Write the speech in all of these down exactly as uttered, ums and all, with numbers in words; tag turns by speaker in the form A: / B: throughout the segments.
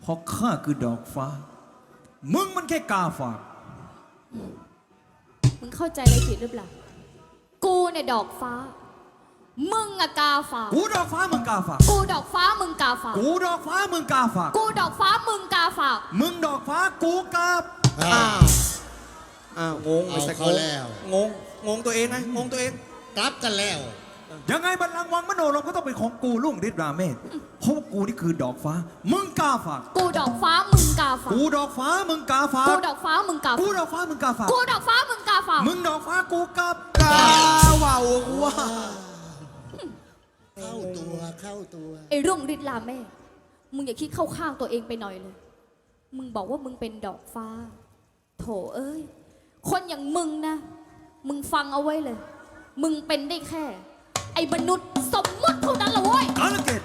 A: เพราะข้าคือดอกฟ้ามึงมันแค่กาฝาก
B: มึงเข้าใจอะไรผิดหรือเปล่ากูเนี่ยดอกฟ้ามึงอะกาฝาก
A: กูดอกฟ้ามึงกาฝาก
B: กูดอกฟ้ามึงกาฝาก
A: กูดอกฟ้ามึงกาฝาก
B: กูดอกฟ้ามึงกาฝาก
A: มึงดอกฟ้ากูกา
C: อ้าวอ้าวงง
D: เอาเขาแล้ว
C: งงงงตัวเองไงงงตัวเอง
D: กลับกันแล้ว
A: ยังไงบัลลังก์วังมโนรมก็ต้องเป็นของกูลุ่งฤทธิ์ราเมศเพราะกูนี่คือดอกฟ้ามึงกาฝาก
B: กูดอกฟ้ามึงกาฝาก
A: กูดอกฟ้ามึงกาฝาก
B: กูดอกฟ้ามึงกาฝาก
A: กูดอกฟ้ามึงกาฝาก
B: กูดอกฟ้ามึงกาฝาก
A: มึงดอกฟ้ากูกา
C: กาว่าวว่า
D: เข้าตัวเข้าตัว
B: ไอ้รุ่งฤทธิ์ลาแม่มึงอย่าคิดเข้าข้างตัวเองไปหน่อยเลยมึงบอกว่ามึงเป็นดอกฟ้าโถเอ้ยคนอย่างมึงนะมึงฟังเอาไว้เลยมึงเป็นได้แค่ไอ้มนุษย์สมมติเท่านั้นละเว้ย
A: กาลเกต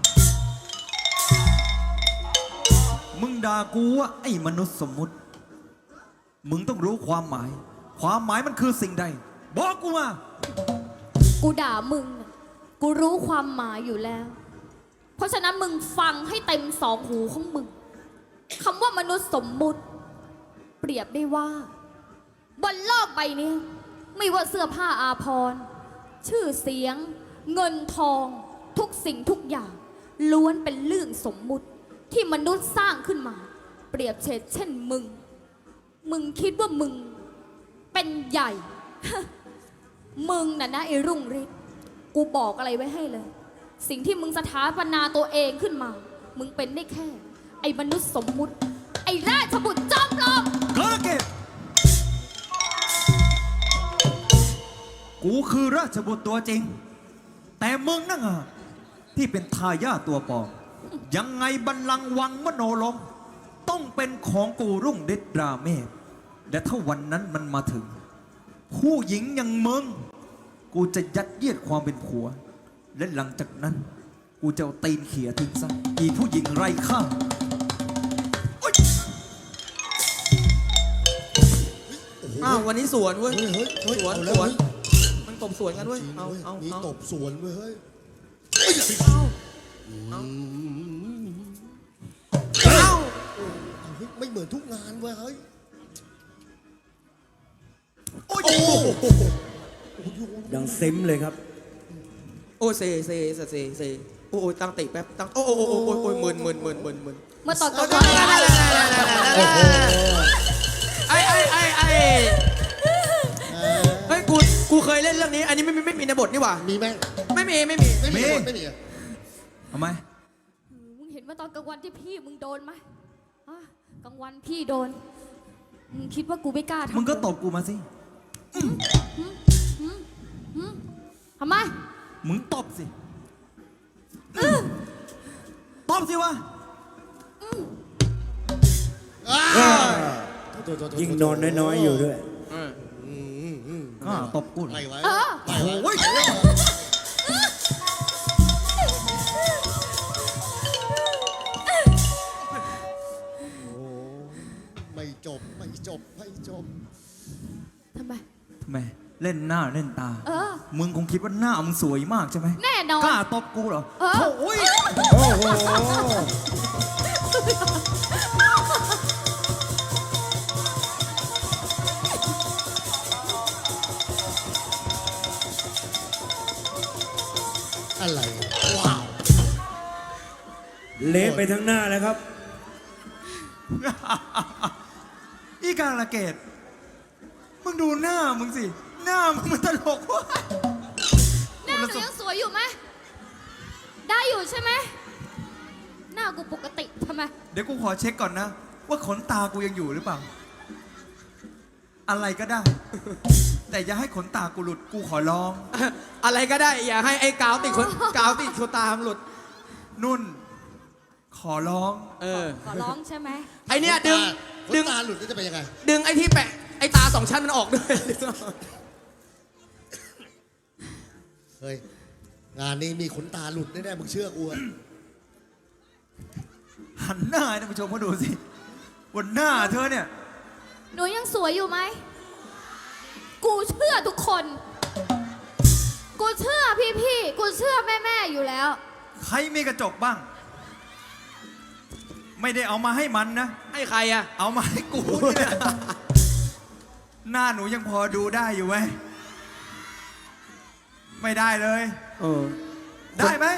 A: มึงด่ากูว่าไอ้มนุษย์สมมุติมึงต้องรู้ความหมายความหมายมันคือสิ่งใดบอกกูมา
B: กูด่ามึงกูรู้ความหมายอยู่แล้วเพราะฉะนั้นมึงฟังให้เต็มสองหูของมึงคำว่ามนุษย์สมมุติเปรียบได้ว่าบนโลกใบนี้ไม่ว่าเสื้อผ้าอาภรณ์ชื่อเสียงเงินทองทุกสิ่งทุกอย่างล้วนเป็นเรื่องสมมุติที่มนุษย์สร้างขึ้นมาเปรียบเฉดเช่นมึงมึงคิดว่ามึงเป็นใหญ่ มึงน่ะนะไอ้รุ่งฤทธิ์กูบอกอะไรไว้ให้เลยสิ่งที่มึงสถาปนาตัวเองขึ้นมามึงเป็นได้แค่ไอ้มนุษย์สมมุติไอ้ราชบุตรจอมปลอม
A: กาลเกตกูคือราชบุตรตัวจริงแต่มึงนั่งอะที่เป็นทายาทตัวปลอมยังไงบัลลังก์วังมโนลมต้องเป็นของกูรุ่งฤทธิ์ราเมศและถ้าวันนั้นมันมาถึงผู้หญิงอย่างมึงกูจะยัดเยียดความเป็นผัวและหลังจากนั้นกูจะเอาตีนเขี่ยทิ้งซะอีผู้หญิงไร้ค่า
C: อ้าววันนี้สวนเว้ย
D: เฮ้ยเฮ้ยเฮ้ย
C: สวน
D: เอา
C: ส
D: แล้ว
C: วน
D: เฮ้ย
C: มันตบสวนกันเว้ยเอาเอา
D: มี
C: เอา
D: ตบสวนเว้ยเฮ้ย
C: เอาเอา
D: เอาเฮ้ยไม่เหมือนทุกงานเว้ยเฮ้ยโอ้โห
E: ดังเซ็มเลยครับ
C: โอ้เซเซเซเซเซโอ้โอ้ตั้งติแป๊บตั้งโอ้โอ้โอ้โอ้โอ้โอ้หมื่นหมื่นหมื่นหมื่นหมื่น
B: เมื่อตอนกลางวัน
C: ไอ้ไอ้ไอ้ไอ้เฮ้ยกูกูเคยเล่นเรื่องนี้อันนี้ไม่ไม่ไม่มีในบทนี่หว่า
D: มีไหม
C: ไม่มีไม่มี
D: ไม่มีไม่มี
A: ทำไม
B: มึงเห็นว่าตอนกลางวันที่พี่มึงโดนไหมกลางวันพี่โดนมึงคิดว่ากูไม่กล้าทำ
A: มึงก็ตบกูมาสิ
B: ทำไม
A: มึงตบสิตบสิวะ
E: ยิ่งนอนน้อยๆอยู่ด้วย
A: ก็ตบกู
D: ไปไว้
A: ไปไว้
D: ไม่จบไม่จบไม่จบ
B: ทำไม
A: ทำไมเล่นหน้าเล่นตา
B: เออ
A: มึงคงคิดว่าหน้ามึงสวยมากใช่ไหม
B: แน่นอน
A: กล้าตบกูเหรอ
B: เออ
A: โอ้ย
E: โอ้โห
D: อะไรว้าว
E: เละไปทั้งหน้าเลยครับ
A: อีกาลเกตมึงดูหน้ามึงสิหน้ามึงมันตลกว่ะ
B: หน้าหนูยังสวยอยู่ไหมได้อยู่ใช่ไหมหน้ากูปกติทำไม
A: เดี๋ยวกูขอเช็คก่อนนะว่าขนตากูยังอยู่หรือเปล่าอะไรก็ได้แต่อย่าให้ขนตากูหลุดกูขอร้อง
C: อะไรก็ได้อย่าให้ไอ้กาวติดขนกาวติดขนตามันหลุด
A: นุ่นขอร้อง
C: เออ
B: ขอร้องใช่ไหม
C: ไอเนี้ยดึง
D: ดึงตาหลุดจะเป็นยังไง
C: ดึงไอ้ที่แปะไอ้ตาสองชั้นมันออกด้วย
D: เฮ้ยงานนี้มีขนตาหลุดแน่ๆมึงเชื่อกูอะ
A: หันหน้าให้ท่านผู้ชมมาดูสิบนหน้าเธอเนี่ย
B: หนูยังสวยอยู่ไหมกูเชื่อทุกคนกูเชื่อพี่ๆกูเชื่อแม่ๆอยู่แล้ว
A: ใครมีกระจกบ้างไม่ได้เอามาให้มันนะ
C: ให้ใครอะ
A: เอามาให้กูเนี่ยหน้าหนูยังพอดูได้อยู่ไหมไม่ได้เลย
C: เออ
A: ได้ไหม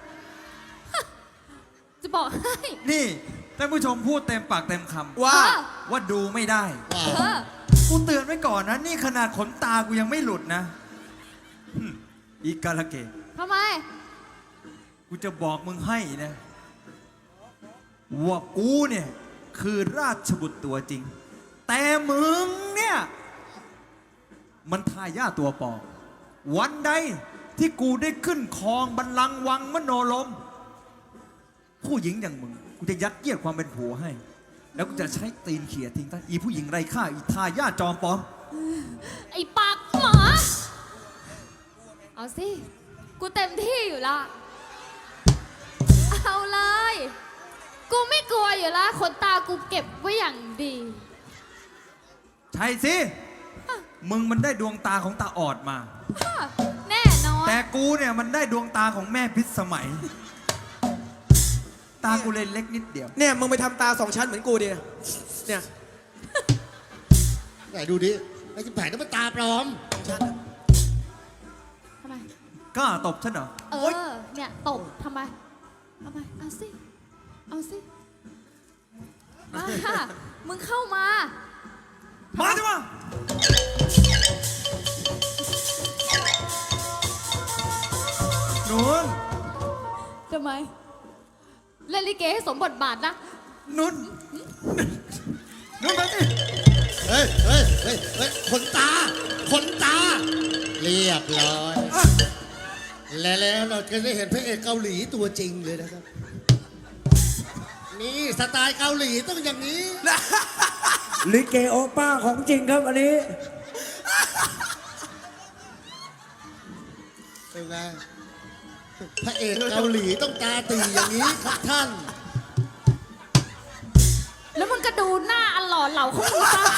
B: จะบอกให้
A: นี่ท่านผู้ชมพูดเต็มปากเต็มคำ
C: ว่า
B: เออ
A: ว่าดูไม่ได้
D: ว้า
B: เอ
D: ว
B: อ
A: กูเตือนไว้ก่อนนะ นี่ขนาดขนตากูยังไม่หลุดนะหึอีกาละเกะ
B: ทำไม
A: กูจะบอกมึงให้นะ ว่ากูเนี่ย คือราชบุตรตัวจริง แต่มึงเนี่ย มันทายาทตัวปลอมวันใดที่กูได้ขึ้นครองบัลลังก์วังมโนลม ผู้หญิงอย่างมึง กูจะยัดเยียดความเป็นผัวให้ แล้วกูจะใช้ตีนเขี่ยทิ้งท่านอีผู้หญิงไร้ค่า อีทายาทจอมปลอม
B: ไอ้ปากหมา เอาสิ กูเต็มที่อยู่ละเอาเลย กูไม่กลัวอยู่ละขนตากูเก็บไว้อย่างดี
A: ใช่สิ มึงมันได้ดวงตาของตาออดมา
B: แน่นอน
A: แต่กูเนี่ยมันได้ดวงตาของแม่พิษสมัย ตากูเลยเล็กนิดเดียว
C: เนี่ยมึงไปทำตาสองชั้นเหมือนกูดิเนี่ย
D: ไหนดูดิไอ้ที่แผงนั้นมันตาปลอม
B: ทำไม
A: กล้าตบฉันเหรอ
B: เออ เนี่ยตบทำไม ทำไม เอาสิ เอาสิ มาค่ะ มึงเข้ามา
A: มาจ้ะมาหนุน
B: ทำไม เล่นลิเกให้สมบทบาทนะ
A: หนุนหนุนมาสิ
D: เฮ้ยเฮ้ยเฮ้ยเฮ้ยขนตาขนตา เรียบร้อย และแล้วเราจะได้เห็นพระเอกเกาหลีตัวจริงเลยนะครับ นี่สไตล์เกาหลีต้องอย่างนี้
E: ลิเกโอป้าของจริงครับอันนี้
D: เป็นไงพระเอกเกาหลีต้องตาตีอย่างนี้ครับท่าน
B: แล้วมึงก็ดูหน้าอันหล่อเหลาของมึงซะ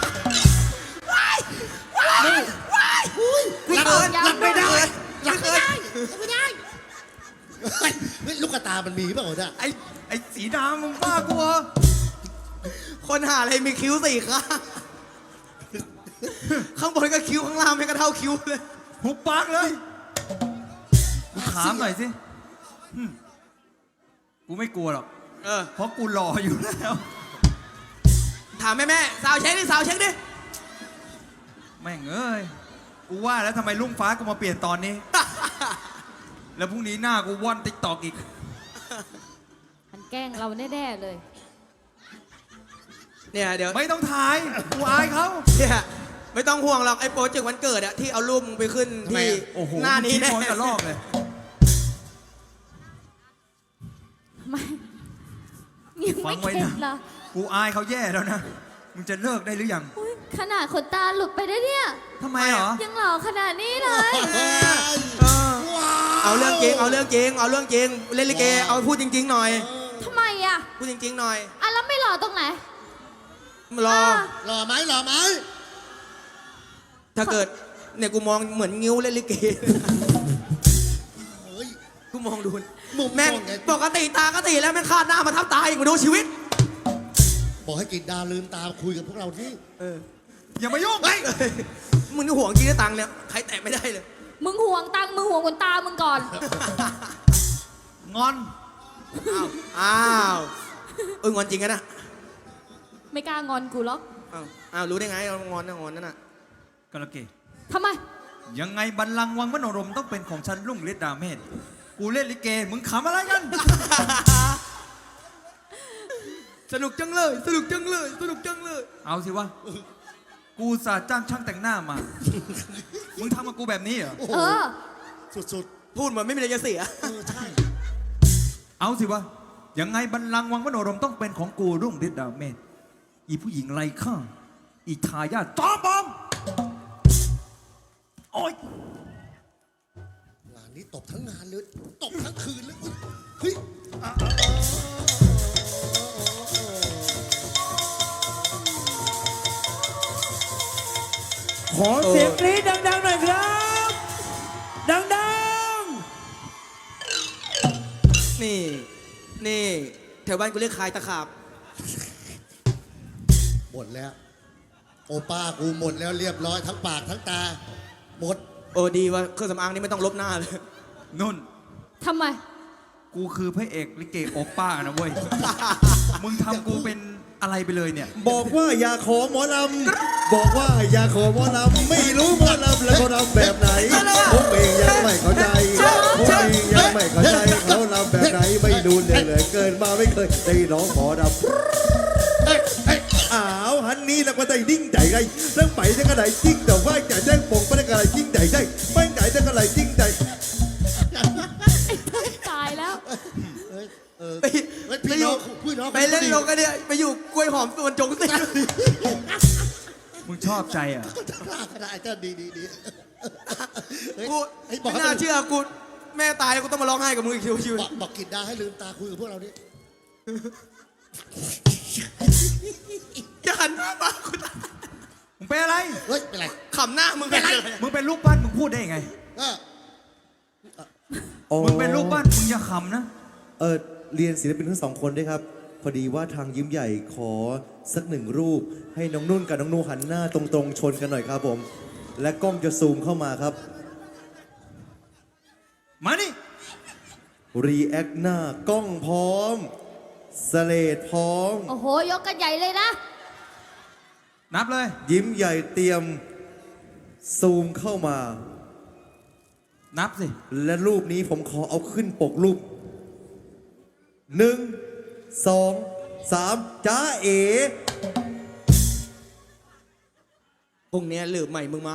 D: รับ
B: ยัง
D: รับไม่ได้
B: ด้วย
D: รับไม่ได้รับไม่ได้เฮ้ยเฮ้ยลูกตามันมีเปล่าเนี่ย
A: ไอ้ไอ้สีดำมึงบ้ากูเหรอ
C: คนหาอะไรมีคิ้วสี่ข้าง ข้างบนก็คิ้วข้างล่างไม่กระเท่าคิ้วเลย
A: หุบปากเลยกูถามหน่อยสิหึกูไม่กลัวหรอก
C: เออ
A: เพราะกูหล่ออยู่แล้ว
C: ถามแม่แม่สาวเช็คดิสาวเช็คดิ
A: แม่งเอ้ย กูว่าแล้วทำไมลุงฟ้ากูมาเปลี่ยนตอนนี้ แล้วพรุ่งนี้หน้ากูว่อนติ๊กตอกอีก
B: มันแกล้งเราแน่ๆเลย
C: เนี่ยเดี๋ยว
A: ไม่ต้องถ่าย กูอายเขา
C: เนี่ยไม่ต้องห่วงหรอกไอ้โปรเจกต์วันเกิดอะที่เอารูปมึงไปขึ้น
D: ทำไม
C: ที่
D: อะ
A: โอ้โห
C: หน้านี้
A: มึง
C: แน่
A: คิดคนกระลอกเลย
B: ไม่ยัง
A: ฟั
B: ไม่
A: งไว้
B: เข็
A: นะ
B: ดเหรอ
A: กูอายเขาแย่แล้วนะ มึงจะเลิกได้หรือยัง
B: อุ๊ยขนาดขนตาหลุดไปได้เนี่ย
A: ทำไมเหรอ
B: ยังหล่อขนาดนี้เลย
C: เออเอาเรื่องจริงเอาเรื่องจริงเอาเรื่องจริงเล่นลิเกเอาพูดจริง ๆ หน่อย
B: ทำไมอ่ะ
C: พูดจริง ๆ หน่อย
B: อ่ะแล้วไม่หล่อตรงไหน
C: รอ
B: อ่ะ
D: หล่อไหมหล่อไหม
C: ถ้าเกิดเนี่ยกูมองเหมือนงิ้วเล่นลิเก
D: เฮ้ย
C: กูมองดู
D: มุม
C: แม่ง
D: มองไง
C: ปกติตาก็ตีแล้วแม่งคาดหน้ามาทับตาอีกมาดูชีวิต
D: บอกให้กินดาลืมตาคุยกับพวกเราที่
C: เออ
A: อย่ามายุ่ง
C: เฮ้ยมึงนี่ห่วงจริงนะตังค์เนี่ยใครแตะไม่ได้เลย
B: มึงห่วงตังค์มึงห่วงขนตามึงก่อน
A: งอน
C: อ้าวอ้าวเอองอนจริงกันนะ
B: ไม่กล้างอนกูหรอก
C: อ้าวอ้าวรู้ได้ไงเรางอนนะงอนนั่นน่ะ
A: กระเกะ
B: ทำไม
A: ยังไงบัลลังก์วังมโนรมต้องเป็นของฉันรุ่งฤทธิ์ดาเมศกูเล่นลิเก มึงขำอะไรกัน
C: สนุกจังเลย สนุกจังเลย สนุกจังเลย
A: เอาสิวะ กูสาจ้างช่างแต่งหน้ามา มึงทำกับกูแบบนี้เหรอ
D: โอ้โห
B: เออ
D: สุด
C: พูดเหมือนไม่มีอะไรจะเสีย
D: ๆเออใช่
A: เอาสิวะ ยังไงบัลลังก์วังมโนรมต้องเป็นของกูรุ่งฤทธิ์ดาเมศอีผู้หญิงไร้ค่า อีทายาทจอมปลอมโอ๊ย
D: งานนี้ตบทั้งงานเลยตบทั้งคืนเลยเฮ้ย
E: ขอเสียงกรี๊ดดังๆหน่อยครับ ดัง
C: นี่ นี่แถวบ้านกูเรียกคายตะขาบ
D: หมดแล้ว โอป้ากูหมดแล้วเรียบร้อยทั้งปากทั้งตา หมด
C: โอ้ดีว่าเครื่องสำอางนี่ไม่ต้องลบหน้าเลย
A: นุ่น
B: ทำไม
A: กูคือพระเอกลิเกโอป้านะเว้ย มึงทำกูเป็นอะไรไปเลยเนี่ย
E: บอกว่าอย่าขอหมอลำบอกว่าอย่าขอหมอลำไม่รู้หมอลำแล้วเขาลำแบบไหนผมเองยังไม่เข้าใจผมเองยังไม่เข้าใจเขาลำแบบไหนไม่ดูเลยเลยเกินมาไม่เคยได้ร้องหมอลำอ้าวฮันนี่แล้วก็ได้ดิ้งใจไรเรื่องไปจะกระไรจิ้งแต่ว่าจะแจ้งปงไปได้กระไรจิ้งใจได้ไม่ใจจะกระไรจิ้งใจ
B: ตายแล้ว
D: เฮ้ยเออ
C: ไป
D: เฮ้ย
C: ไป
D: พี่
C: อ
D: น้อยู่ งพี่น้อง
C: ไปเล่นลงกันเนี่ยไปอยู่กล้วยหอมส่วนจงสิ
A: มึงชอบใจอ่ะ
D: ก็ได้ก็ได้ดีดีดีเฮ้ย
C: กู
D: เฮ้ยบอก
C: ไม่
D: ให้
C: น่าเชื่อกูแม่ตายแล้วกูต้องมาร้องไห้กับมึงอีกชีวิต
D: บอกบอกกินดาให้ลืมตาคุยกับพวกเราดิ
C: จะหันหน้ามากูตาย
A: มึงเป็นอะไร
D: เฮ้ยเป็นไร
C: ขำหน้ามึงเป็นไร
A: มึงเป็นลูกบ้านมึงพูดได้ยังไง
D: ก็
A: มึงเป็นลูกบ้านมึงอย่าขำนะ
F: เออเรียนศิลปินทั้งสองคนด้วยครับ พอดีว่าทางยิ้มใหญ่ขอสักหนึ่งรูป ให้น้องนุ่นกับน้องนูหันหน้าตรงๆชนกันหน่อยครับผม และกล้องจะซูมเข้ามาครับ
A: มานี่
F: รีแอคหน้ากล้องพร้อมสเลดพร้อม
B: โอ้โห ยกกันใหญ่เลยนะ
A: นับเลย
F: ยิ้มใหญ่เตรียมซูมเข้ามา
A: นับสิ
F: และรูปนี้ผมขอเอาขึ้นปกรูปหนึ่งสองสามจ้าเอ๋
C: พรุ่งนี้หลืบใหม่มึงมา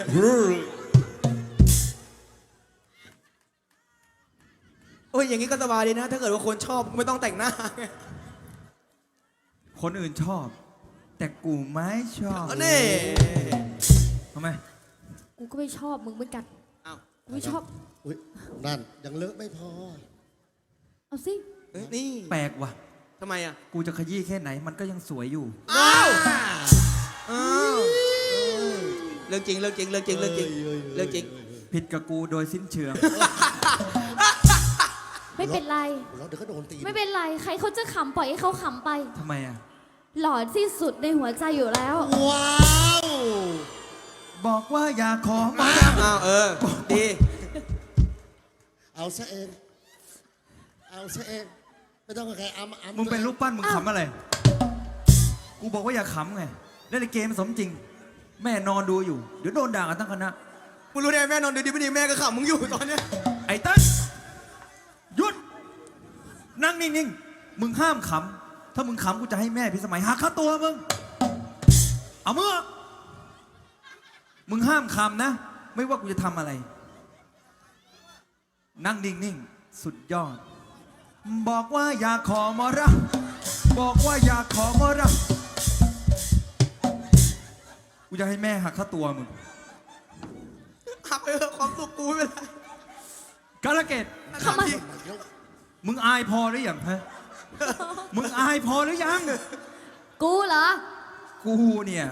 C: โอ้ยอย่างนี้ก็สบายดีนะ ถ้าเกิดว่าคนชอบไม่ต้องแต่งหน้า
A: คนอื่นชอบ แต่กูไม่ชอบ
C: เอานี่
A: ทำไม
B: กูก็ไม่ชอบมึงเหมือนกัน
C: เอา
B: กูไม่ชอบ
D: อุ้ยนั่นยังเลอะไม่พอ
B: เอาสิ
C: เอ้ยนี่
A: แปลกว่ะ
C: ทำไมอ่ะ
A: กูจะขยี้แค่ไหนมันก็ยังสวยอยู่
C: อ้าวอ้าวเรื่องจริงเรื่องจริงเรื่องจริงเรื่องจริงเรื่องจริง
A: ผิดกับกูโดยสิ้นเชิง
B: ไม่เป็นไร
D: เราเดี๋ยวก็โดนตี
B: ไม่เป็นไร ใครเขาจะขำปล่อยให้เขาขำไป
A: ทำไมอ่ะ
B: หลอนที่สุดในหัวใจอยู่แล้ว
D: ว้าว
A: บอกว่าอย่าขอมา
C: อ้าวเออดี
D: เอาซะเอง เอาซะเอง ไม่ต้องกับใครอ้ำอ้ำ
A: มึงเป็นลูกปั้นมึงขำอะไร กูบอกว่าอย่าขำไงเล่นเกมสมจริง แม่นอนดูอยู่ เดี๋ยวโดนด่ากันทั้งคณะ
C: มึงรู้ได้แม่นอนดีๆไม่ดีแม่ก็ขำมึงอยู่ตอนเนี้ย
A: ไอ้เต้นหยุด นั่งนิ่งๆ มึงห้ามขำ ถ้ามึงขำกูจะให้แม่พี่สมัยหักค่าตัวมึง เอามือ มึงห้ามขำนะ ไม่ว่ากูจะทำอะไร นั่งนิ่งๆ สุดยอด บอกว่าอยากขอมรดกบอกว่าอยากขอมรดกกูจะให้แม่หักค่าตัวมึง
C: หักไปเถอะความสุขกูไม่เป็นไร
A: กาลเกต
B: ทำไม
A: มึงอายพอหรือยังฮะ มึงอายพอหรือยัง
B: กูเหรอ
A: กูเนี่ย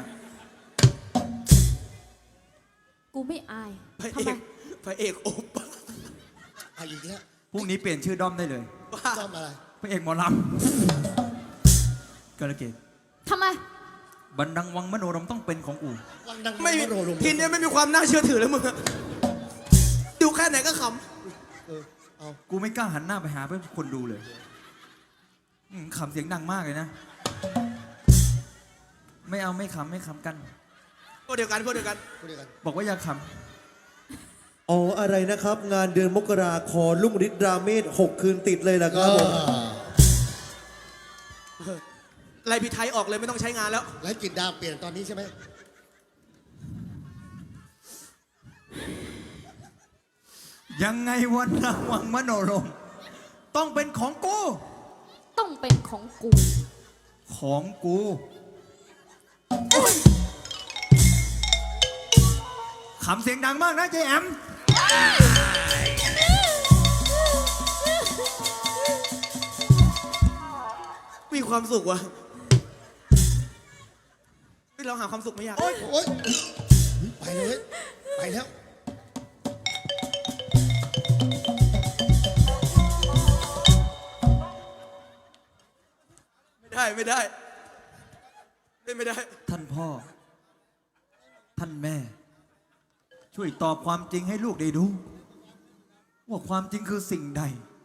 B: กูไม่อาย
C: พระ
B: ทำ
C: เอ
B: ไม
C: กพระเอกโอบ
D: เอาอีกแล้ว
A: พรุ่งนี้เปลี่ยนชื่อด้อมได้เลย
C: ว่า
D: ซ่อมอะไร
A: พระเอกหมอลำกาลเกต
B: ทำไม
A: บันดังวังมโนรมต้องเป็นของกู
D: วังดัง
C: ไม่มี
D: โรลง
C: ทีเนี้ยไม่มีความน่าเชื่อถือแล้วมึงอะดูแค่ไหนก็ข
D: เออเอา
A: กูไม่กล้าหันหน้าไปหาเพื่อนคนดูเลยอืมขำเสียงดังมากเลยนะ ไม่เอาไม่ขำไม่ขำกัน
C: ำพวกเดียวกันพวกเดียวกัน
D: พูดเดียวกัน
A: บอกว่าอย่าข
F: อ๋ออะไรนะครับ งานเดือนมกราคอลุ่งฤทธิ์ราเมศหกคืนติดเลยล่ะครับผม
C: ไล่พี่ไทยออกเลยไม่ต้องใช้งานแล้ว
D: แล้วกินดาวเปลี่ยนตอนนี้ใช่ไหม
A: ำยังไงวันดังวังมโนรมต้องเป็นของกู
B: ต้องเป็นของกู
A: ของกูขำเสียงดังมากนะเจแอม
C: มีความสุขว่ะเฮ้ยเราหาความสุขไม่ยาก
D: โอ๊ยโอ๊ยไปเลยไปแล้ว
C: ไม่ได้ไม่ได้เล่นไม่ได้
A: ท่านพ่อ ท่านแม่ ช่วยตอบความจริงให้ลูกได้รู้ ว่าความจริงคือสิ่งใด